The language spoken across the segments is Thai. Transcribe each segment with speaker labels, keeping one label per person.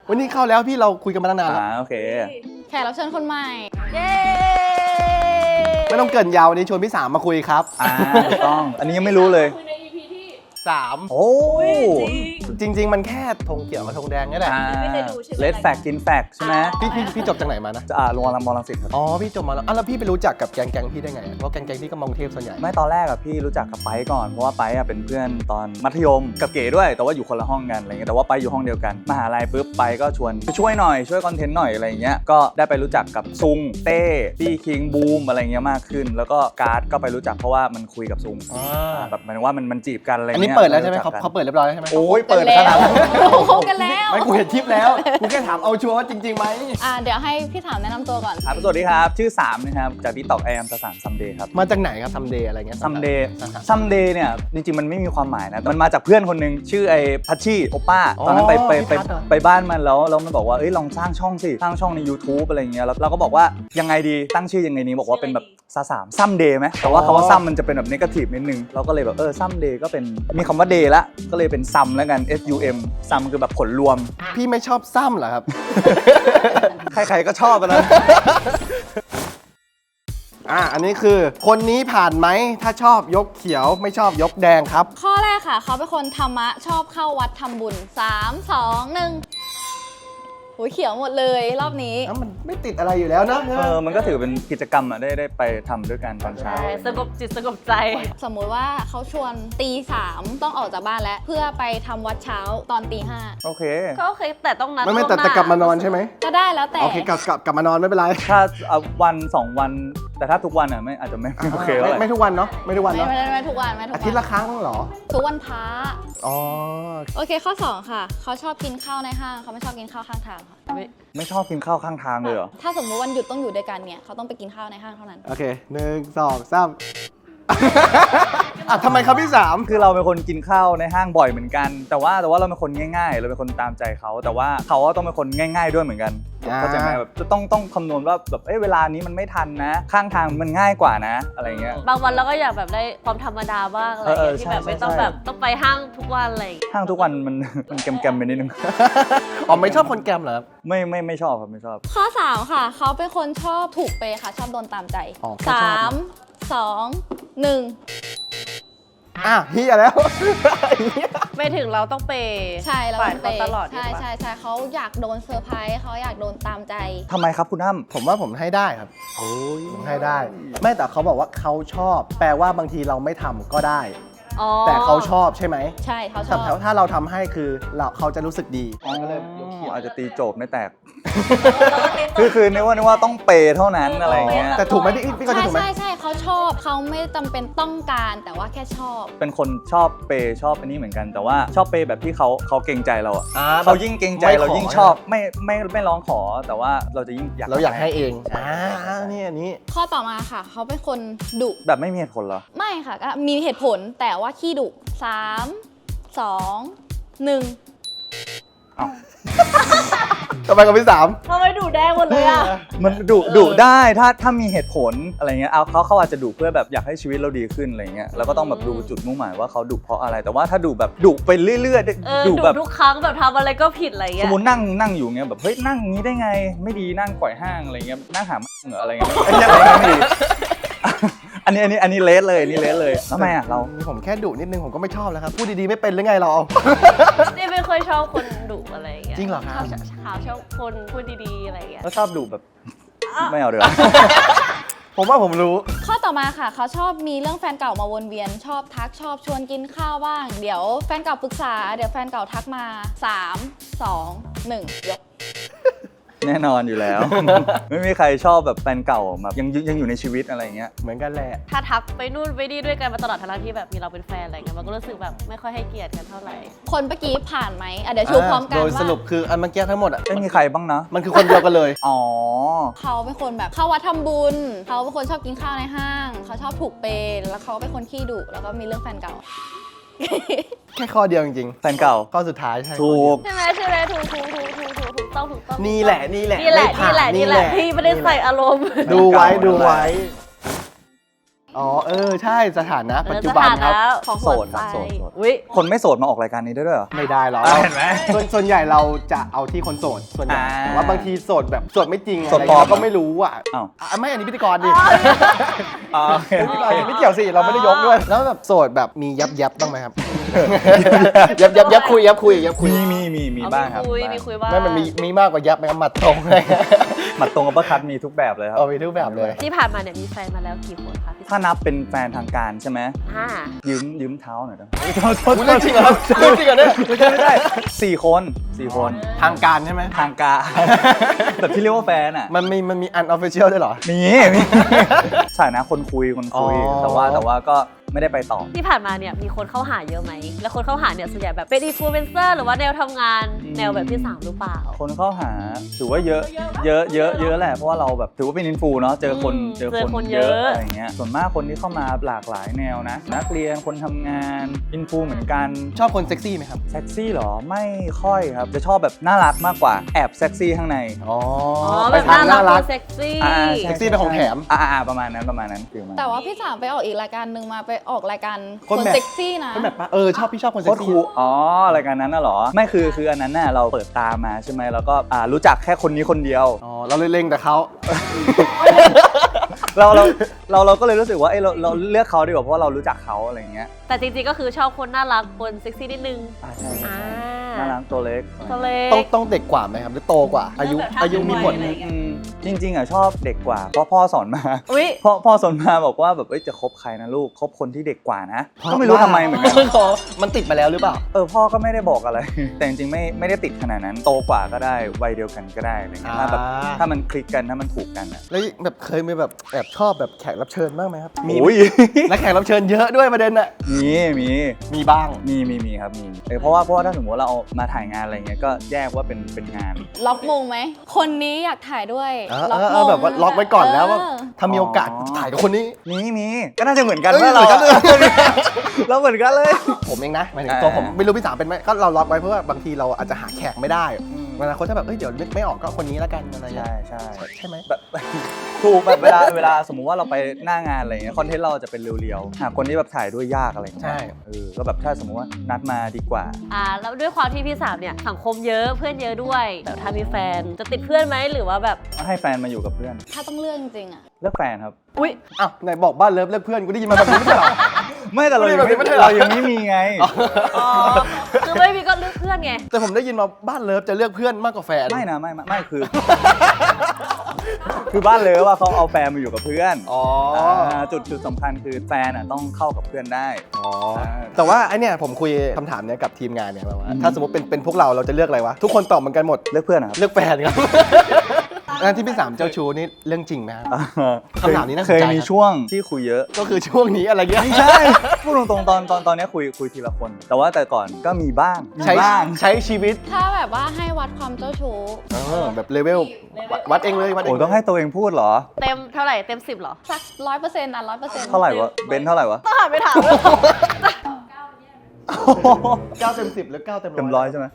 Speaker 1: วันนี้เข้าแล้วพี่เราคุยกันมาตั้งนานแล้ว
Speaker 2: โอเค
Speaker 3: แขกรับเชิญคนใหม่เย้
Speaker 1: ไม่ต้องเกินยาววันนี้ชวนพี่3มาคุยครับ
Speaker 2: ถูกต้องอันนี้ยังไม่รู้เลย
Speaker 3: คุยใน EP ที่
Speaker 1: 3
Speaker 2: โอ้
Speaker 1: จริงๆมันแค่ธงเขียวกับธงแดงนี่แหละ
Speaker 3: ไม่เคยดูใช่ไหม
Speaker 2: เลดแฟกกินแฟกใช่ไหม
Speaker 1: พี่จบจากไหนมานะ
Speaker 2: โรงพยาบาลรังสิตครับ
Speaker 1: อ๋อพี่จบมาแล้วพี่ไปรู้จักกับแก๊งพี่ได้ไงเพราะแก๊งพี่ก็มากรุงเทพส่วนใหญ่
Speaker 2: ไม่ตอนแรกอะพี่รู้จักกับไปก่อนเพราะว่าไปอะเป็นเพื่อนตอนมัธยมกับเก๋ด้วยแต่ว่าอยู่คนละห้องกันอะไรเงี้ยแต่ว่าไปอยู่ห้องเดียวกันมหาลัยปุ๊บไปก็ชวนไปช่วยหน่อยช่วยคอนเทนต์หน่อยอะไรเงี้ยก็ได้ไปรู้จักกับซุงเต้พี่คิงบูมอะไรเงี้ยมากขึ้นแล้วก็การ์ดก็ไปรู้จักเพราะว่ามันคุยกับซุงแบบหมายถึงว่ามันจีบกันอะไรเงี้ย
Speaker 1: อันนี้เปิดแล้วใช่ไหมเขาเปิดเรียบร้อยแล้วใช่ไหม
Speaker 2: โอ้ยเปิดขนาดนั้น
Speaker 3: คบกันแล้ว
Speaker 1: ไม่กูเห็นคลิปแล้วกูแค่ถามเอาชัวร์ว่าจริงๆไหม
Speaker 3: เดี๋ยวให้พี่ถามแนะนำตัวก่อน
Speaker 2: ครับสวัสดีครับชื่อ3นะครับจากที่ตอกแอมสารซัมเดย์ครับ
Speaker 1: มาจากไหนครับซัมเดย์อะไรเงี้ย
Speaker 2: ซัมเดย์เนี่ยจริงๆมันไม่มีความหมายนะมันมาจากเพื่อนคนนึงชื่อไอ้พัชชี่โอป้าตอนนั้นไปบ้านมันแล้วมันบอกว่าลองสร้างช่องสิสร้างช่องใน YouTube อะไรเงี้ยแล้วเราก็บอกว่ายังไงดีตั้งชื่อยังไงนี้บอกว่าเป็นแบบซัมเดย์ไหมแต่ว่าคำว่าซัมมันจะเป็นแบบเนกาทีฟนิดนึงเราก็เลยแบบซัมเดย์ก็เป็นมีคำว่าเดย์ละก็เลยเป็นซัมแล้วกัน SUM ซัมคือแบบผลรวม
Speaker 1: พี่ไม่ชอบซ้ำเหรอครับ
Speaker 2: ใครๆก็ชอบนะ
Speaker 1: อันนี้คือคนนี้ผ่านไหมถ้าชอบยกเขียวไม่ชอบยกแดงครับ
Speaker 3: ข้อแรกค่ะเขาเป็นคนธรรมะชอบเข้าวัดทำบุญ3 2 1หูเขียวหมดเลยรอบนี้
Speaker 1: มันไม่ติดอะไรอยู่แล้วนะ
Speaker 2: มันก็ถือเป็นกิจกรรมได้ไปทำด้วยกันตอนเช้า
Speaker 4: สงบจิตสงบใจ
Speaker 3: สมมุติว่าเขาชวนตี3ต้องออกจากบ้านแล้วเพื่อไปทำวัดเช้าตอนตี5
Speaker 2: โอเค
Speaker 4: ก็โอเคแต่ต้องนัด
Speaker 1: ไม่แต่กลับมานอนใช่ไหม
Speaker 3: ก็ได้แล้วแต่
Speaker 1: โอเคกลับมานอนไม่เป็นไร
Speaker 2: ถ้าวัน2 วันแต่ถ้าทุกวันอ่ะไม่อาจจะไม่โอเคแล้ว
Speaker 1: ไม่ทุกวันเนาะไม่ทุกวันเนาะ
Speaker 3: ไม่ทุกวัน
Speaker 1: อาทิตย์ละครั้งเหรอ
Speaker 3: ทุกวันพระ
Speaker 1: อ๋อ
Speaker 3: โอเคข้อ2ค่ะเขาชอบกินข้าวในห้างเขาไม่ชอบกินข้าวข้างทางค่ะ
Speaker 2: ไม่ชอบกินข้าวข้างทางเลยเหรอ
Speaker 3: ถ้าสมมติวันหยุดต้องอยู่ด้วยกันเนี่ยเขาต้องไปกินข้าวในห้างเท่านั้น
Speaker 1: โอเค1 2 3ทำไมครับพี่3
Speaker 2: คือเราเป็นคนกินข้าวในห้างบ่อยเหมือนกันแต่ว่าเราเป็นคนง่ายๆเราเป็นคนตามใจเขาแต่ว่าเขาต้องเป็นคนง่ายๆด้วยเหมือนกันเข้าใจไหมแบบต้องคำนวณว่าแบบเวลานี้มันไม่ทันนะข้างทางมันง่ายกว่านะอะไรเงี้ย
Speaker 4: บางวันเราก็อยากแบบได้ความธรรมดาบ้างอะไรที่แบบไม่ต้องแบบต้องไปห้างทุกวันอะไร
Speaker 2: ห้างทุกวันมันแกมไปนิดนึง
Speaker 1: ไม่ชอบคนแกมเหรอครับ
Speaker 2: ไม่ชอบครับไม่ชอบ
Speaker 3: ข้อ3ค่ะเขาเป็นคนชอบถูกเปย์ค่ะชอบโดนตามใจ3 2 1
Speaker 1: เฮียแล้ว
Speaker 4: ไม่ถึงเราต้องเปย์
Speaker 3: ใช่เรา
Speaker 4: ต้องเปย์ตลอด
Speaker 3: ใช่เขาอยากโดนเซอร์ไพรส์เขาอยากโดนตามใจ
Speaker 2: ทำไมครับคุณอ้ำ
Speaker 1: ผมว่าผมให้ได้ครับผมให้ได้ไม่แต่เขาบอกว่าเขาชอบแปลว่าบางทีเราไม่ทำก็ได้แต่เขาชอบใช่ไหม
Speaker 3: ใช่เขาชอบ
Speaker 1: ถ้าเราทำให้คือเขาจะรู้สึกดี
Speaker 2: อาจจะตีโจบไม่แตกคือนึกว่าต้องเปย์เท่านั้นอะไรเงี้ย
Speaker 1: แต่ถูกไหมพี่ก็จะถูกไหม
Speaker 3: ใช่เขาชอบเขาไม่จำเป็นต้องการแต่ว่าแค่ชอบ
Speaker 2: เป็นคนชอบเปย์ชอบอันนี้เหมือนกันแต่ว่าชอบเปย์แบบที่เขาเกรงใจเราเขายิ่งเกรงใจเรายิ่งชอบไม่ร้องขอแต่ว่าเราจะยิ่ง
Speaker 1: อยากให้เองนี่อันนี้
Speaker 3: ข้อต่อมาค่ะเขาเป็นคนดุ
Speaker 2: แบบไม่มีเหตุผลเหรอ
Speaker 3: ไม่ค่ะก็มีเหตุผลแต่ว่าขี้ดุ3 2 1
Speaker 1: ทำไมกับพี่3
Speaker 4: ทำไมดุแดงหมดเลย
Speaker 2: มันดุได้ถ้ามีเหตุผลอะไรเงี้ยเขาอาจจะดุเพื่อแบบอยากให้ชีวิตเราดีขึ้นอะไรเงี้ยเราก็ต้องแบบดูจุดมุ่งหมายว่าเขาดุเพราะอะไรแต่ว่าถ้าดุแบบดุไปเรื่อยๆ
Speaker 4: ดุแบบทุกครั้งแบบทำอะไรก็ผิดอะไรเงี้ย
Speaker 2: สมมตินั่งอยู่เงี้ยแบบเฮ้ยนั่งงี้ได้ไงไม่ดีนั่งก่อยห้างอะไรเงี้ยนั่งหาเหงื่ออะไรเงี้ยอันนี้เลสเลยนี่เลสเลยทำไมเรา
Speaker 1: ผมแค่ดุนิดนึงผมก็ไม่ชอบแล้วครับพูดดีๆไม่เป็นหรือไงเรา
Speaker 4: นี่ไม่ค่อยชอบคนดุอะไรอย่างเงี้ย
Speaker 1: จริงเหรอครับ
Speaker 4: ชอบคนพูดดีๆอะไรอย่างเงี้ย
Speaker 2: ก็ชอบดุแบบไม่เอาเดี๋ยว
Speaker 1: ผมว่าผมรู้
Speaker 3: ข้อต่อมาค่ะเขาชอบมีเรื่องแฟนเก่ามาวนเวียนชอบทักชอบชวนกินข้าวบ้างเดี๋ยวแฟนเก่าปรึกษาเดี๋ยวแฟนเก่าทักมา3 2 1ยก
Speaker 2: แน่นอนอยู่แล้วไม่มีใครชอบแบบแฟนเก่าแบบยังอยู่ในชีวิตอะไรเงี้ย
Speaker 1: เหมือนกันแหละ
Speaker 4: ถ้าทักไปนู่นไปนี่ด้วยกันมาตลอดทั้งที่แบบมีเราเป็นแฟนอะไรเงี้ยมันก็รู้สึกแบบไม่ค่อยให้เกียรติกันเท่าไหร่
Speaker 3: คนเมื่อกี้ผ่านไหมเดี๋ยวชูพร้อมกัน
Speaker 1: โดยสรุปคืออันเมื่อกี้ทั้งหมด
Speaker 2: ไม่มีใครบ้างนะ
Speaker 1: มันคือคนเดียวกันเลย
Speaker 3: เขาเป็นคนแบบเข้าวัดทำบุญเขาเป็นคนชอบกินข้าวในห้างเขาชอบถูกเปย์แล้วเขาเป็นคนขี้ดุแล้วก็มีเรื่องแฟนเก่า
Speaker 1: แค่ข้อเดียวจริง
Speaker 2: ๆแฟนเก่า
Speaker 1: ข้อสุดท้ายใช่
Speaker 2: ถูก
Speaker 4: ใช่ไหมถูกต้อง
Speaker 1: นี่แหละ
Speaker 4: พี่ไม่ได้ใส่อารมณ์
Speaker 1: ดูไว้โออ๋อใช่สถานะปัจจุบันครับ
Speaker 4: สถานะของหัว
Speaker 2: โสดค
Speaker 4: ใจ
Speaker 2: รับโสด
Speaker 4: อุ้ย
Speaker 2: คนไม่โสดมาออกรายการนี้ได้ด้วยเหรอ
Speaker 1: ไม่ได้หรอก
Speaker 2: เห็นไหม
Speaker 1: ส่วนใหญ่เราจะเอาที่คนโสดส่วนใหญ่
Speaker 2: อ่า
Speaker 1: แต่ว่าบางทีโสดแบบโสดไม่จริง
Speaker 2: โสดปลอม
Speaker 1: เราก็ไม่รู้อ่ะ
Speaker 2: อ้าว
Speaker 1: ไม่อันนี้พิธีกรดิ
Speaker 2: อ๋อโอเค
Speaker 1: พิธีกรไม่เกี่ยวสิเราไม่ได้ยกด้วยแล้วแบบโสดแบบมียับบ้างไหมครับ ยับคุย
Speaker 2: มีบ้างครับ
Speaker 4: มีคุยบ้าง
Speaker 1: ไม่มันมีมากกว่ายับไหมครับหมัดตรงเลย
Speaker 2: หมัดตรงกับประคัดมีทุกแบบเลยครับ
Speaker 1: เอามีทุกแบบเลย
Speaker 4: ที่ผ่านมาเนี่ยมีแฟนมาแล้วกี่คนคะพี่
Speaker 2: ถ้านับเป็นแฟนทางการใช่ไหม
Speaker 4: ห้า
Speaker 2: ยืมเท้าหน่อยนะ
Speaker 1: คุณเรื่องจริงเหรอครับเรื่องจริงเหรอเนี่ย
Speaker 2: ไม่ได้4 คน4 คน
Speaker 1: ทางการใช่ไหม
Speaker 2: ทางการ แบบที่เรียกว่าแฟนอ่ะ
Speaker 1: มันมีอันออฟฟิเชียลด้วยเหรอ
Speaker 2: มีสถานะคนคุย
Speaker 1: อ๋อ
Speaker 2: แต่ว่าก็ไม่ได้ไปต่อ
Speaker 4: ที่ผ่านมาเนี่ยมีคนเข้าหาเยอะไหมแล้วคนเข้าหาเนี่ยส่วนใหญ่แบบเป็นอินฟลูเอนเซอร์หรือว่าแนวทำงานแนวแบบพี่สามหรือเปล่า
Speaker 2: คนเข้าหาถือว่าเยอะแหละเพราะว่าเราแบบถือว่าเป็นอินฟูเนาะเจอคน
Speaker 4: เจอคนเย
Speaker 2: เย
Speaker 4: อะ
Speaker 2: อะอะไรเงี้ยส่วนมากคนที่เข้ามาหลากหลายแนวนะ นักเรียนคนทำงานอินฟูเหมือนกัน
Speaker 1: ชอบคนเซ็กซี่ไหมครับ
Speaker 2: เซ็กซี่เหรอไม่ค่อยครับจะชอบแบบน่ารักมากกว่าแอบเซ็กซี่ข้างใน
Speaker 1: อ๋อ
Speaker 4: แบ
Speaker 1: ไป
Speaker 4: บ
Speaker 1: ทางน่ารัก
Speaker 4: เซ็กซี่
Speaker 2: ใช่
Speaker 1: เซ็กซี่เป็นของแถม
Speaker 2: ประมาณนั้นฟิลมา
Speaker 3: แต่ว่าพี่สามไปออกอีกรายการหนึ่งมาไปออกรายการ
Speaker 1: คน
Speaker 3: คน
Speaker 1: แบบ
Speaker 3: เซ็กซี่นะ
Speaker 1: เป็นแบบว่าชอบพี่ชอบคน
Speaker 2: โค
Speaker 1: เซ็ก
Speaker 2: ตร
Speaker 1: ซี่
Speaker 2: คูลอ๋อรายการนั้นน่ะเหรอไม่คืออันนั้นน่ะเราเปิดตามมาใช่ไหมแล้วก็รู้จักแค่คนนี้คนเดียว
Speaker 1: อ๋อเราเลยเล็งแต่เขา
Speaker 2: เราก็เลยรู้สึกว่าเราเลือกเขาดีกว่าเพราะว่าเรารู้จักเขาอะไรเงี้ย
Speaker 4: แต่จริงๆก็คือชอบคนน่ารักคนเซ็กซี่นิดนึง
Speaker 2: ใช่
Speaker 4: อ่า
Speaker 2: น่ารักตัวเล็ก
Speaker 4: ตัวเล็
Speaker 1: ต้องเด็กกว่าไหมครับหรือโตกว่า อายุมีผล
Speaker 2: อืมจริงๆอ่ะชอบเด็กกว่าเพราะพ่อสอนมา
Speaker 4: อุ้ย
Speaker 2: พ่อสอนมาบอกว่าแบบจะคบใครนะลูกคบคนที่เด็กกว่านะก็ไม่รู้ทำไมเหมือนกัน
Speaker 1: มันติดมาแล้วหรือเปล่า
Speaker 2: พ่อก็ไม่ได้บอกอะไร แต่จริงๆไม่ได้ติดขนาดนั้นโตกว่าก็ได้วัยเดียวกันก็ได้อะไรเงี้ยถ้าแบบ
Speaker 1: อ่า
Speaker 2: ถ้ามันคลิกกันถ้ามันถูกกันอ่ะ
Speaker 1: แล้วแบบเคยมีแบบแอบชอบแบบแขกรับเชิญบ้างไหมครับ
Speaker 2: โอ้ย
Speaker 1: และแขกรับเชิญเยอะด้วยประเด็นน่ะ มีบ้าง
Speaker 2: มีครับมีเพราะว่าถ้าสมมติว่าเราเอามาถ่ายงานอะไรเงี้ยก็แยกว่าเป็นงาน
Speaker 3: ล็อกมงไหม คนนี้อยากถ่ายด้วย
Speaker 1: แบบว่าล็อกไว้ก่อนแล้วว่า
Speaker 3: เออ
Speaker 1: ถ้ามีโอกาสถ่ายกับคนนี้
Speaker 2: มีก็น่าจะเหมือนกัน
Speaker 1: เอ้ย
Speaker 2: ว่าเรา
Speaker 1: เหมือนกันเลย
Speaker 2: เราเหมือนกันเลย
Speaker 1: ผมเองนะหมายถึงตัวผมไม่รู้พี่สามเป็นไหมก็เราล็อกไว้เพราะว่าบางทีเราอาจจะหาแขกไม่ได้เวลาคนถ้าแบบเดี๋ยวนึกไม่ออกก็คนนี้แล้วกันอะไรอย่างเงี้ย
Speaker 2: ใช่
Speaker 1: ใช่ไหม
Speaker 2: แบบ ถูกแบบเวลาสมมุติว่าเราไปหน้างานอะไรเงี้ยคอนเทนต์เราจะเป็นเรียวๆหาคนที่แบบถ่ายด้วยยากอะไรเงี้ย
Speaker 1: ใช่
Speaker 2: ก็แบบถ้าสมมุติว่านัดมาดีกว่า
Speaker 4: แล้วด้วยความที่พี่สามเนี่ยสังคมเยอะเพื่อนเยอะด้วยแต่ถ้ามีแฟนจะติดเพื่อนไหมหรือว่าแบบ
Speaker 2: ให้แฟนมาอยู่กับเพื่อน
Speaker 3: ถ้าต้องเลือกจริงๆอะ
Speaker 2: เลือกแฟนครับ
Speaker 4: อุ้ย
Speaker 1: อ้าวไหนบอกบ้านเลิฟเลิกเพื่อนกูได้ยินมาแบบนี้ไม่ใช่เหรอ
Speaker 2: ไม่แต่เรายัง
Speaker 1: ไม่ได้เหรอ
Speaker 2: เรายังไม่มีไง
Speaker 4: อ๋อคือไม่มีก็เลือกเพื่อนไง
Speaker 1: แต่ผมได้ยินมาบ้านเลิฟจะเลือกเพื่อนมากกว่าแฟน
Speaker 2: ไม่นะไม่คือ คือบ้านเลยว่าเขาเอาแฟนมาอยู่กับเพื่อน
Speaker 1: อ๋อ
Speaker 2: จุดสำคัญคือแฟนต้องเข้ากับเพื่อนได้
Speaker 1: อ๋อแต่ว่าไอเนี่ยผมคุยคำถามเนี้ยกับทีมงานเนี่ยแบบว่าถ้าสมมติเป็นพวกเราจะเลือกอะไรวะทุกคนตอบเหมือนกันหมด
Speaker 2: เลือกเพื่อนนะครับ
Speaker 1: เลือกแฟนครับ อันที่พี่สามเจ้าชู้นี่เรื่องจริงไหมครับ คำถามนี้น่าสนใจ
Speaker 2: เคยมีช่วงที่คุยเยอะ
Speaker 1: ก็คือช่วงนี้อะไรเงี้ย
Speaker 2: ไม่ใช่พูดตรงๆตอนนี้คุยทีละคน แต่ก่อนก็มีบ้าง
Speaker 1: ใช้
Speaker 2: บ้าง
Speaker 1: ใช้ชีวิต
Speaker 3: ถ้าแบบว่าให้วัดความเจ้าชู้
Speaker 1: แบบเลเวลวัดเองเลยวัดเอ
Speaker 2: โอ้
Speaker 1: ง
Speaker 2: ต้องให้ตัวเองพูดเหรอ
Speaker 4: เต็มเท่าไหร่เต็ม10เหรอ
Speaker 3: สัก100%อ่ะ100%
Speaker 2: เท่าไหร่วะเบนซ์เท่าไหร่วะ
Speaker 4: ต้องหันไปถาม
Speaker 1: 9 เต็ม 10หรือ9 เต็ม
Speaker 2: เต็ม
Speaker 1: ร้
Speaker 2: ร้
Speaker 1: อ
Speaker 2: อย ยใช่ไหม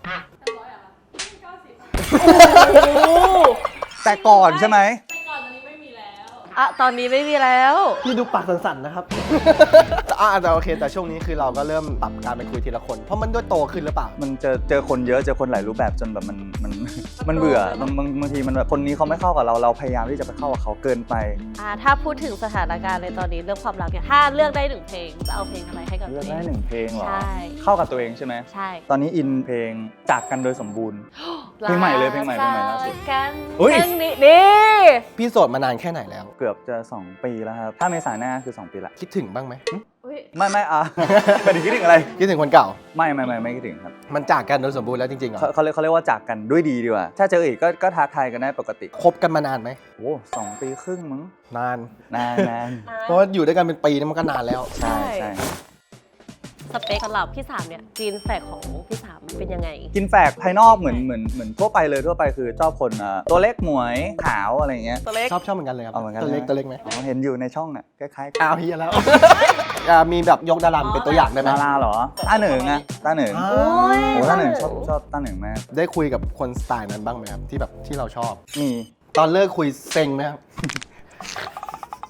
Speaker 2: แต่ก่อนใช่ไหม
Speaker 4: ตอนนี้ไม่มีแล้ว
Speaker 1: พี่ดูปากสั่นๆนะครับ แต่โอเคแต่ช่วงนี้คือเราก็เริ่มปรับการไปคุยทีละคน เพราะมันด้วยโตขึ้นหรือเปล่า
Speaker 2: มันเจอคนเยอะเจอคนหลายรูปแบบจนแบบมันเบื่อบางทีมันแบบคนนี้เขาไม่เข้ากับเราพยายามที่จะไปเข้ากับเขาเกินไป
Speaker 4: ถ้าพูดถึงสถานการณ์ในตอนนี้เรื่องความรักเนี่ยถ้าเลือกได้หนึ่งเพลงจะเอาเพลงอะไรให้กับ
Speaker 2: เลื
Speaker 4: ตั
Speaker 2: อก
Speaker 4: วเอ
Speaker 2: ได้
Speaker 4: ง
Speaker 2: หนึ่งเพลงเหรอ
Speaker 4: ใช่
Speaker 2: เข้ากับตัวเองใช่ไหม
Speaker 4: ใช่
Speaker 2: ตอนนี้อินเพลงจากกันโดยสมบูรณ์ เพลงใหม่เลยเพลงใหม่ล่าสุด
Speaker 4: กัน
Speaker 2: อุ๊ย
Speaker 4: เพลงนี้นี่
Speaker 1: พี่โสดมานานแค่ไหนแล้ว
Speaker 2: เกือบจะ 2 ปีแล้วครับ ถ้าเมษายนหน้าคือ 2 ปีละ
Speaker 1: คิดถึงบ้างไหม
Speaker 4: อุ๊ย
Speaker 2: ไม่ไม่ไม่ได้คิดถึงอะไร
Speaker 1: คิดถึงคนเก่า
Speaker 2: ไม่คิดถึงครับ
Speaker 1: มันจากกันโดยสมบูรณ์แล้วจริงๆเหรอ
Speaker 2: เขาเรียกว่าจากกันด้วยดีดีกว่า ถ้าเจออีกก็ทักทายกันได้ปกติ
Speaker 1: คบกันมานานไหม
Speaker 2: โอ้2 ปีครึ่งมั้ง
Speaker 1: นาน
Speaker 2: นาน
Speaker 1: เพราะว่าอยู่ด้วยกันเป็นปีนี่มันก็นานแล้ว
Speaker 2: ใช่ใช่
Speaker 4: สเปคสำหรับพี่สามเนี่ยกรีนแฟกของพี่สามเป็นยังไง
Speaker 2: กินแฝกภายนอกเหมือนทั่วไปเลยทั่วไปคือชอบคนตัวเล็กหมวยขาวอะไรอย่างเงี้ย
Speaker 4: ตัวเล็ก
Speaker 1: ชอบเหมือนกันเลยครับ
Speaker 2: เอาเหมือนกัน
Speaker 1: ตัวเล็ก
Speaker 2: นะ
Speaker 1: ตัวเล็กไหม
Speaker 2: อ๋อเห็นอยู่ในช่องน่ะคล้ายๆ
Speaker 1: อ้าวเฮียแล้ว มีแบบยกดาราเป็นตัวอย่างได้ไหม
Speaker 2: ดาราเหรอต้าเหนิงอะต้าเหนิง
Speaker 1: อ่า
Speaker 4: โอ้ย
Speaker 2: โอ้ต้าเหนิงชอบต้าเหนิงมาก
Speaker 1: ได้คุยกับคนสไตล์นั้นบ้างไหมครับที่แบบที่เราชอบ
Speaker 2: มี
Speaker 1: ตอนเลิกคุยเซ็งไหมครับ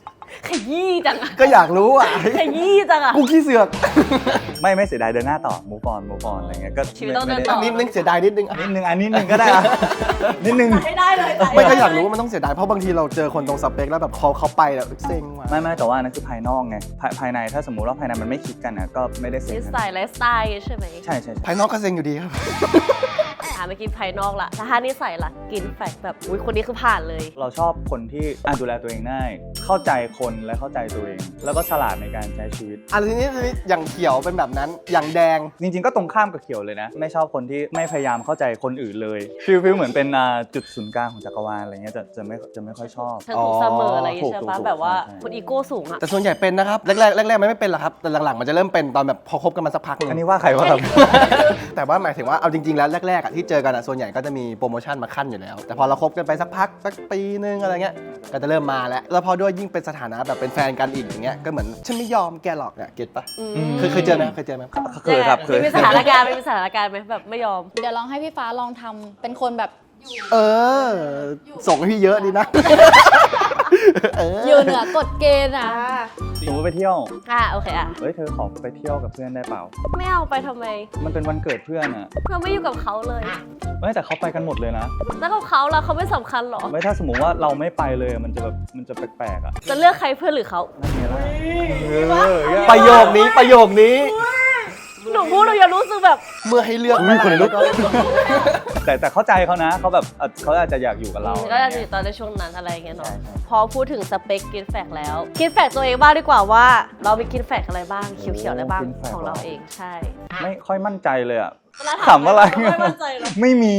Speaker 4: ขยี้จังอะ
Speaker 1: ก็อยากรู้อ่ะ
Speaker 4: ขยี้จังอะ
Speaker 1: กูขี้เสือก
Speaker 2: ไม่เสียดายเดินหน้าต่อ move on อะไรเงี้ยก็
Speaker 4: ชีวิตต้องเดิน
Speaker 2: ไม่
Speaker 4: ต่
Speaker 2: ได้
Speaker 1: นิดนึงเสียดายนิดนึง
Speaker 2: นิดนึงนิดนึงก็ได้อะนิดนึง
Speaker 4: ให้ได้เลย
Speaker 1: ไม่ก็อยากรู้ว่ามันต้องเสียดายเพราะบางทีเราเจอคนตรงสเปคแล้วแบบเขาไปแล้วเซ็งว่ะ
Speaker 2: ไม่แต่ว่านั่นคือภายนอกไงภายในถ้าสมมุติว่าภายในมันไม่คลิกกันนะก็ไม่ได้เซ็
Speaker 4: นิ
Speaker 2: ง
Speaker 4: สัยไลฟ์สไตล์ใช่ไหม
Speaker 2: ใช่
Speaker 1: ภายนอกก็เซ็งอยู่ดีครับ
Speaker 4: เมื่อกี้ภายนอกละแต่ถ้านิสัยล่ะกินแฟกแบบอุ้ยคนนี้คือผ่านเลย
Speaker 2: เราชอบคนที่ดูแลตัวเองได้เข้าใจคนและเข้าใจตัวเอง แล้วก็ฉลาดในการใช้ชีวิต
Speaker 1: อันนี้อย่างเขียวเป็นแบบนั้นอย่างแดง
Speaker 2: จริงๆก็ตรงข้ามกับเขียวเลยนะ ไม่ชอบคนที่ไม่พยายามเข้าใจคนอื่นเลยฟีลเหมือนเป็นจุดศูนย์กลางของจักรวาลอะไรเงี้ยจะไม่ค่อยชอบ
Speaker 4: เธอถูกเสมออะไรอย่างงี้ใช่
Speaker 2: ถู
Speaker 4: ปะ
Speaker 2: ก
Speaker 4: แบบว่า
Speaker 2: ใช่
Speaker 4: คนอีโก้สูงอะ
Speaker 1: แต่ส่วนใหญ่เป็นนะครับแรกมันไม่เป็นหรอกครับแต่หลังๆมันจะเริ่มเป็นตอนแบบพอคบกันมาสักพักหนึง
Speaker 2: อันนี้ว่าใครว่าครับ
Speaker 1: แต่ว่าหมายถึงว่าเอาจริงๆแล้วแรกๆอ่ะที่เจอกันอ่ะส่วนใหญ่ก็จะมีโปรโมชั่นมาขั้นอยู่แล้ว แต่พอเราคบกันไปสักพักสักปีนึงอะไรเงี้ยก็จะเริ่มมาแล้วพอด้วยยิ่งเป็นสถานะแบบเป็นแฟนกันอีกอย่างเงี้ยก็เหมือนฉันไม่ยอมแกหรอกเนี่ยเก็ตปะเคยเจอไหม
Speaker 2: เคยครับเคย
Speaker 4: มีสถานการณ์ไหมแบบไม่ยอม
Speaker 3: เดี๋ยวลองให้พี่ฟ้าลองทำเป็นคนแบบ
Speaker 1: เออส่งให้พี่เยอะดีนะ
Speaker 3: อยู่เหนือกฎเกณฑ์อ่ะ
Speaker 2: สมมติไปเที่ยว
Speaker 4: โอเคอะ
Speaker 2: เฮ้ยเธอขอไปเที่ยวกับเพื่อนได้เปล่า
Speaker 4: ไม่เอาไปทำไม
Speaker 2: มันเป็นวันเกิดเพื่อนอะ
Speaker 4: เราไม่อยู่กับเขาเลย
Speaker 2: ไม่แต่เขาไปกันหมดเลยนะ
Speaker 4: แล้วกับเขาล่ะเขาไม่สำคัญหรอ
Speaker 2: ไม่ถ้าสมมติว่าเราไม่ไปเลยมันจะแบบมันจะแปลกๆอ่ะ
Speaker 4: จะเลือกใครเพื่อนหรือเขา
Speaker 2: นั่นไงล่ะ
Speaker 1: ประโยคนี้
Speaker 4: หนูพูดเราอย่ารู้สึกแบบ
Speaker 1: เมื่อให้เลือก
Speaker 2: อุ๊ยคนลุก
Speaker 1: ก็
Speaker 2: แต่เข้าใจเขานะเขาแบบเขาอาจจะอยากอยู่กับเรา
Speaker 4: ก็จะอยู่ตอนในช่วงนั้นอะไรอย่างเงี้ยเนาะพอพูดถึงสเปคกินแฟกแล้วกินแฟกตัวเองบ้างดีกว่าว่า เรามีกินแฟกอะไรบ้างเขียวๆอะไรบ้างของเราเองใช่
Speaker 2: ไม่ค่อยมั่นใจเลยอ่ะ
Speaker 4: เวลา
Speaker 2: ถามอะไร
Speaker 4: ไม่มั่นใจหรอ
Speaker 2: ไม่มี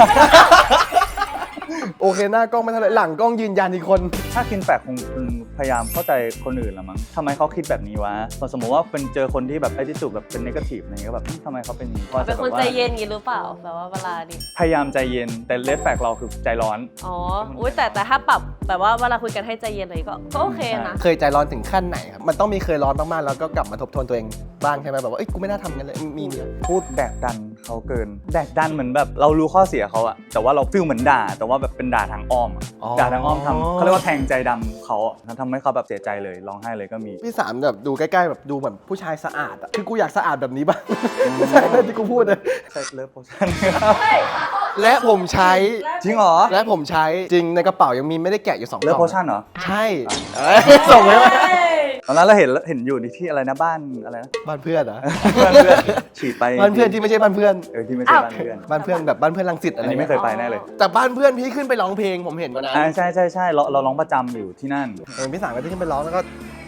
Speaker 1: โอเคหน้ากล้องไม่เท่าไหร่หลังกล้องยืนยันอีกคน
Speaker 2: ถ้าคินแฟกคงพยายามเข้าใจคนอื่นละมั้งทำไมเขาคิดแบบนี้วะสมมติว่าเป็นเจอคนที่แบบไอ้ที่สุดแบบเป็นเนกาทีฟอะไรเงี้ยแบบทำไมเขาเป็นอย่างนี้
Speaker 4: เป็นคนใจเย็นอย่างงี้หรือเปล่าแบบว่าเวลาดิ
Speaker 2: พยายามใจเย็นแต่เลดแฟกเราคือใจร้อน
Speaker 4: อ๋ออุ้ยแต่ถ้าปรับแบบว่าเวลาคุยกันให้ใจเย็นอะไรก็โอเคนะ
Speaker 1: เคยใจร้อนถึงขั้นไหนครับมันต้องมีเคยร้อนมากๆแล้วก็กลับมาทบทวนตัวเองบ้างใช่ไหมแบบว่าเอ้ยกูไม่น่าทำกันเลยมีเนี่ย
Speaker 2: พูดแดกดันเขาเกินแดกดันเหมือนแบบเรารู้ข้อเสียเขาอะแต่ว่าเราฟีลเหมือนด่า แต่ว่าแบบเป็นด่าทางอ้อมอะด่าทางอ้อมทำเขาเรียกว่าแทงใจดำเขาอะทำให้เขาแบบเสียใจเลยร้องไห้เลยก็มี
Speaker 1: พี่สามแบบดูใกล้ๆแบบดูเหมือนผู้ชายสะอาดอะคือกูอยากสะอาดแบบนี้บ้าง ไม่ใช่นะที่กูพูดเลย
Speaker 2: ใช่เลิฟโพชั่น
Speaker 1: และผมใช้
Speaker 2: จริงเหรอ
Speaker 1: และผมใช้จริงในกระเป๋ายังมีไม่ได้แกะอยู่2ก
Speaker 2: เลิฟ
Speaker 1: ล่อง
Speaker 2: โพชั่นเหรอ
Speaker 1: ใช่ส่งไว้ว่า
Speaker 2: ตอนนั้นเราเห็นอยู่ที่อะไรนะบ้านอะไรนะ
Speaker 1: บ้านเพื่อนเหรอ
Speaker 2: บ้านเพื่อนฉีดไป
Speaker 1: บ้านเพื่อนที่ไม่ใช่บ้านเพื่อน
Speaker 2: ที่ไม่ใช่บ้านเพื่อน
Speaker 1: บ้านเพื่อนแบบบ้านเพื่อนรังสิตอะ
Speaker 2: อัน
Speaker 1: ไร
Speaker 2: นี้ไม่เคยไปแน่เลย
Speaker 1: แต่บ้านเพื่อนพี่ขึ้นไปร้องเพลงผมเห็นวันนั้น
Speaker 2: ใช่เราร้องประจำอยู่ที่นั่น
Speaker 1: พี่สามก็จะขึ้นไปร้องแล้วก็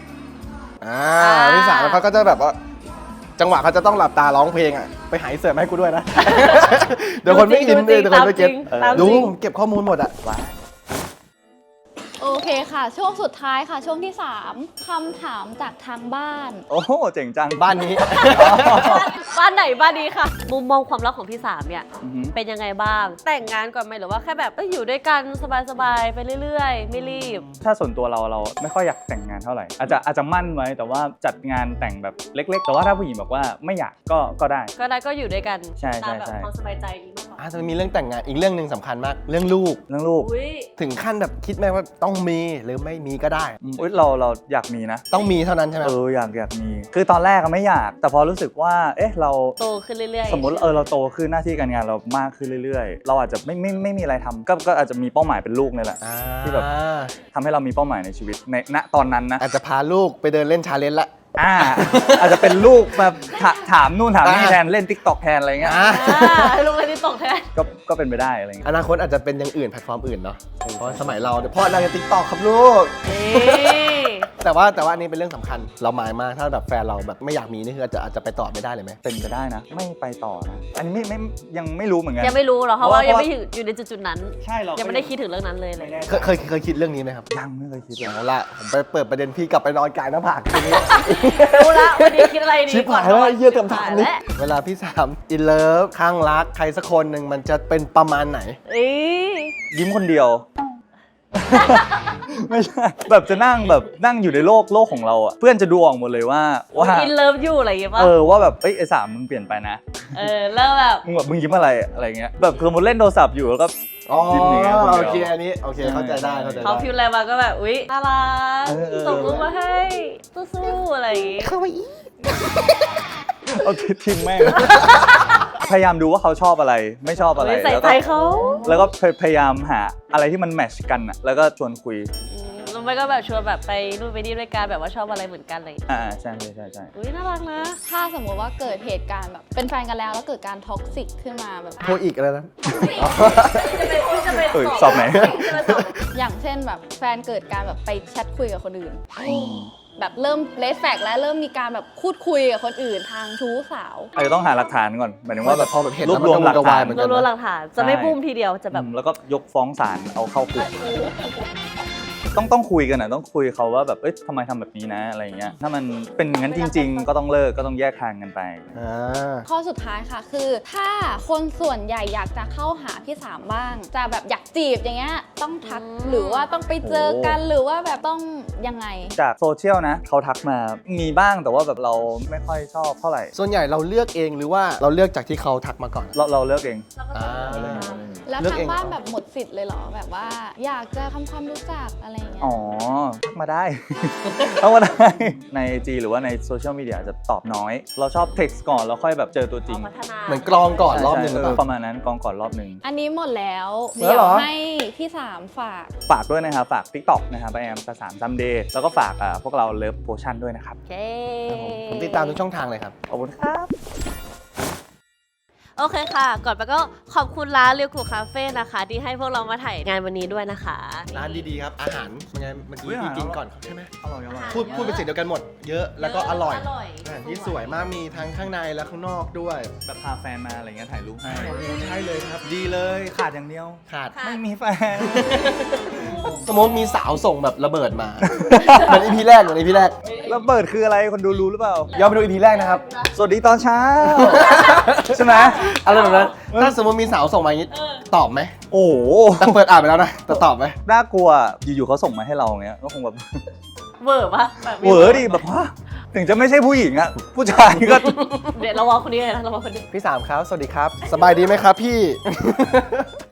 Speaker 1: พี่สามเขาก็จะแบบว่า จังหวะเขาจะต้องหลับตาร้องเพลงอ่ะไปหายเสิร์ฟให้กูด้วยนะ เดี๋ยวคนไม่อินเดี๋ยวคนไม่เก็ต
Speaker 4: ตามจ
Speaker 1: ดู
Speaker 4: ริง
Speaker 1: ผมเก็บข้อมูลหมดอ่ะ
Speaker 3: โอเคค่ะ ช่วงสุดท้ายค่ะ ช่วงที่ 3คำถามจากทางบ้าน
Speaker 2: โอ้โหเจ๋งจัง
Speaker 1: บ้านนี้
Speaker 4: บ้านไหนบ้านนี้ค่ะ มุมมองความรักของพี่สามเนี่ย
Speaker 2: อือหือ
Speaker 4: เป็นยังไงบ้าง แต่งงานก่อนไหมหรือว่าแค่แบบอยู่ด้วยกันสบายๆไปเรื่อยๆ ไม่รีบ
Speaker 2: ถ้าส่วนตัวเราไม่ค่อยอยากแต่งงานเท่าไหร่อาจจะมั่นไว้แต่ว่าจัดงานแต่งแบบเล็ก ๆ แต่ว่าถ้าผู้หญิงบอกว่าไม่อยากก็ได้
Speaker 4: ก็อยู่ด้วยกัน
Speaker 2: ใช่
Speaker 4: ตามแบบ
Speaker 2: ใช่
Speaker 4: ความสบายใจนี้มากกว่า
Speaker 1: จะมีเรื่องแต่งงานอีกเรื่องหนึ่งสำคัญมาก เรื่องลูก
Speaker 2: เรื่องลูก
Speaker 4: อุ้ย
Speaker 1: ถึงขั้นแบบคิดไหมว่าต้องมีหรือไม่มีก็ได้
Speaker 2: อุ๊ยเราอยากมีนะ
Speaker 1: ต้องมีเท่านั้นใช่ไหม
Speaker 2: อยากมี คือตอนแรกก็ไม่อยาก แต่พอรู้สึกว่าเอ๊ะเรา
Speaker 4: โตขึ้นเรื่อยๆ
Speaker 2: สมมติเราโตขึ้นหน้าที่การงานเรามากขึ้นเรื่อยๆ เราอาจจะไม่มีอะไรทำก็อาจจะมีเป้าหมายเป็นลูกนี่แหละ ที่แบบ ทำให้เรามีเป้าหมายในชีวิตในณตอนนั้นนะ
Speaker 1: อาจจะพาลูกไปเดินเล่นชาเลนจ์ละ
Speaker 2: อาจจะเป็นลูกแบบถามนู่นถามนี่แทนเล่น TikTok แทนอะไรเงี้ย
Speaker 4: ให้ลงเลยที่ตกแทน
Speaker 2: ก็เป็นไปได้อะไรเงี้ย
Speaker 1: อนาคตอาจจะเป็นอย่างอื่นแพลตฟอร์มอื่นเนาะเพราะสมัยเราเดี๋ยวพ่อนางจะติ๊กตอกครับลูก
Speaker 4: นี่
Speaker 1: แต่ว่าอันนี้เป็นเรื่องสำคัญเราหมายมากถ้าแบบแฟนเราแบบไม่อยากมีนี่คืออาจจะไปต่อไม่ได้เลยไหม
Speaker 2: เป็นไปได้นะ ไม่ไปต่อนะ อันนี้ยังไม่รู้เหมือนกัน
Speaker 4: ยังไม่รู้หรอกเพราะว่ายังไม่อยู่ในจุดๆนั้น
Speaker 2: ใช่เรา
Speaker 4: ยั
Speaker 2: ยัง
Speaker 4: ไม่ได้คิดถึงเรื่องนั้นเลย
Speaker 1: เคยคิดเรื่องนี้ไหมครับ
Speaker 2: ยังไม่เคยคิดเลย
Speaker 1: เอาละผมไปเปิดประเด็นพี่กลับไปนอนกายหน้าผากทีนี้
Speaker 4: รู้ละวันนี้คิดอะไรดี
Speaker 1: ชิบ
Speaker 4: ก่อน
Speaker 1: หายแล้วไอ้เหี้ย
Speaker 4: ก่อน
Speaker 1: คำถาม
Speaker 4: นอน
Speaker 1: นี้
Speaker 4: และ
Speaker 1: เวลาพี่สามอินเลิฟข้างรักใครสักคนหนึ่งมันจะเป็นประมาณไหน
Speaker 2: ยิ้มคนเดียว ไม่ใช่แบบจะนั่งอยู่ในโลกของเราอ่ะเพื่อนจะดูออกหมดเลยว่า
Speaker 4: อินเลิฟอยู่อะไรอย่างเงี้ยป่ะ
Speaker 2: ว่าแบบไอ้สามมึงเปลี่ยนไปนะ
Speaker 4: แล้วแบบ
Speaker 2: มึงยิ้มอะไรเงี้ยแบบสมมติเล่นโทรศัพท์อยู่แล้วก็
Speaker 1: อ๋อ
Speaker 2: จิ้มเนื้อคนเดียว
Speaker 1: โอเคอันนี้โอเคเข้าใจได้เข้าใจ
Speaker 4: เขา
Speaker 1: ได้
Speaker 4: พิมพ์อะไรมาก็แบบอุ๊ยน่ารัก
Speaker 2: เออ
Speaker 4: ส่งรูปมาให้สู้ๆอะไรอย่างงี้
Speaker 2: โอเคทิ้งแม่ง พยายามดูว่าเขาชอบอะไรไม่ชอบอะไร
Speaker 4: ใส่
Speaker 2: แล้ว
Speaker 4: ใจ
Speaker 2: ก็
Speaker 4: เขา
Speaker 2: แล้วก็พยายามหาอะไรที่มันแมทช์กันอะแล้วก็ชวนคุย
Speaker 4: แล้วไม่ก็แบบชวนแบบไปนู่นไปนี่ด้วยกันแบบว่าชอบอะไรเหมือนกันอะไรอย่างเลย
Speaker 2: ใช่ใช่ใช่
Speaker 4: อุ๊ยน่ารักนะ
Speaker 3: ถ้าสมมุติว่าเกิดเหตุการณ์แบบเป็นแฟนกันแล้วเกิดการท็อกซิกขึ้นมาแบบ
Speaker 1: โทรอีกอะไรนะ
Speaker 2: สอบไหน
Speaker 3: อย่างเช่นแบบแฟนเกิดการแบบไปแชทคุยกับคนอื่น แบบเริ่มเลสแฟกแล้วเริ่มมีการแบบพูดคุยกับคนอื่นทางชู้สาว
Speaker 2: อาจจะต้องหาหลักฐานก่อนหมายถึงว่าแบบ
Speaker 1: พอแบบเห็น
Speaker 2: รวบรวมหลักฐาน
Speaker 1: แล้วมันก็วุ่นวายเหมือนกัน
Speaker 4: รวมๆหลักฐานจะไม่ปุ้มทีเดียวจะแบบ
Speaker 2: แล้วก็ยกฟ้องศาลเอาเข้าคุกต้องคุยกันต้องคุยเขาว่าแบบเอ้ยทำไมทำแบบนี้นะอะไรอย่างเงี้ยถ้ามันเป็นอย่างนั้นจริง ๆ ก็ต้องเลิกก็ต้องแยกทางกันไป
Speaker 1: อ่า
Speaker 3: ข้อสุดท้ายค่ะคือถ้าคนส่วนใหญ่อยากจะเข้าหาพี่สามบ้าง จะแบบอยากจีบอย่างเงี้ยต้องทักหรือว่าต้องไปเจอกันหรือว่าแบบต้องยังไง
Speaker 2: จากโซเชียลนะเขาทักมามีบ้างแต่ว่าแบบเราไม่ค่อยชอบเท่าไหร่
Speaker 1: ส่วนใหญ่เราเลือกเองหรือว่าเราเลือกจากที่เขาทักมาก่อน
Speaker 2: เราเลือกเอง
Speaker 1: อ่า
Speaker 3: แล้ว
Speaker 1: เลือก
Speaker 3: ทา
Speaker 1: เอง ง
Speaker 3: บ้าน
Speaker 1: เหรอ
Speaker 3: แบบหมดสิทธิ์เลยเหรอแบบว่า อยากจะทำความรู้จักอะไรอย่างเงี้ย
Speaker 2: อ๋อทักมาได้ ทักมาได้ใน IG หรือว่าในโซเชียลมีเดียจะตอบน้อย เราชอบเท็กซ์ก่อนแล้วค่อยแบบเจอตัวจริง
Speaker 4: พัฒนา
Speaker 1: เหมือนกรองก่อนรอบหนึ่งหรือเปล่า
Speaker 2: ประมาณนั้นกองก่อนรอบหนึ่ง
Speaker 3: อันนี้หมดแล้ว
Speaker 1: หมดแล้ว
Speaker 3: เดี๋
Speaker 1: เห
Speaker 3: ย
Speaker 1: ร
Speaker 3: ว
Speaker 1: อ
Speaker 3: ให้พี่สามฝาก
Speaker 2: ฝากด้วยนะครับฝาก TikTok นะครับไปแอมสามซัมเดย์แล้วก็ฝากพวกเราเลิฟโพชั่นด้วยนะครับ
Speaker 4: โอเค
Speaker 1: ผมติดตามทุกช่องทางเลยครับ
Speaker 2: ขอบคุณครับ
Speaker 4: โอเคค่ะ ก่อนไปก็ขอบคุณร้านเรียวกูคาเฟ่นะคะ ที่ให้พวกเรามาถ่ายงานวันนี้ด้วยนะคะ
Speaker 1: ร้านดีๆครับ อาหารมันไงเมื่อกี้
Speaker 2: อุ๊ยอาหาร
Speaker 1: พี่กินก่อนใช่ไหม
Speaker 2: อร่อยอร่อย
Speaker 1: พูดเป็นเสียงเดียวกันหมด เยอะแล้วก็อร่อย
Speaker 4: อร่อย
Speaker 1: อาหารที่สวยมากมีทั้งข้างในและข้างนอกด้วย
Speaker 2: แบบพาแฟนมาอะไรเงี้ยถ่ายรูปให้
Speaker 1: ใช่เลยครับ
Speaker 2: ดีเลยขาดอย่างเดียว
Speaker 1: ขาด
Speaker 2: ไม่มีแฟน
Speaker 1: สมมติมีสาวส่งแบบระเบิดมา เหมือนอีพีแรกเหมือนอีพีแรก
Speaker 2: แล้วเบิดคืออะไรคนดูรู้หรือเปล่า
Speaker 1: ย้อนไปดูอีพีแรกนะครับ
Speaker 2: สวัสดีตอนเช้า ใช่ไหม
Speaker 1: อะไรแบบนั้นถ้าสมมติมีสาวส่งมาอย่างนี้ตอบไหม
Speaker 2: โอ้โห
Speaker 1: แต่เปิดอ่านไปแล้วนะแต่ตอบไหม
Speaker 2: น่ากลัวอยู่ๆเขาส่งมาให้เราเงี้ยก็คงแบบ
Speaker 4: เวอร์ปะแบบ
Speaker 2: เหวอดิแบบว่าถึงจะไม่ใช่ผู้หญิงอะผู้ชายก็
Speaker 4: เดี๋ยวเราวอคนนี้เลยนะเราวอคนนี้
Speaker 1: พี่สามครับ สวัสดีครับ สบายดีไหมครับพี่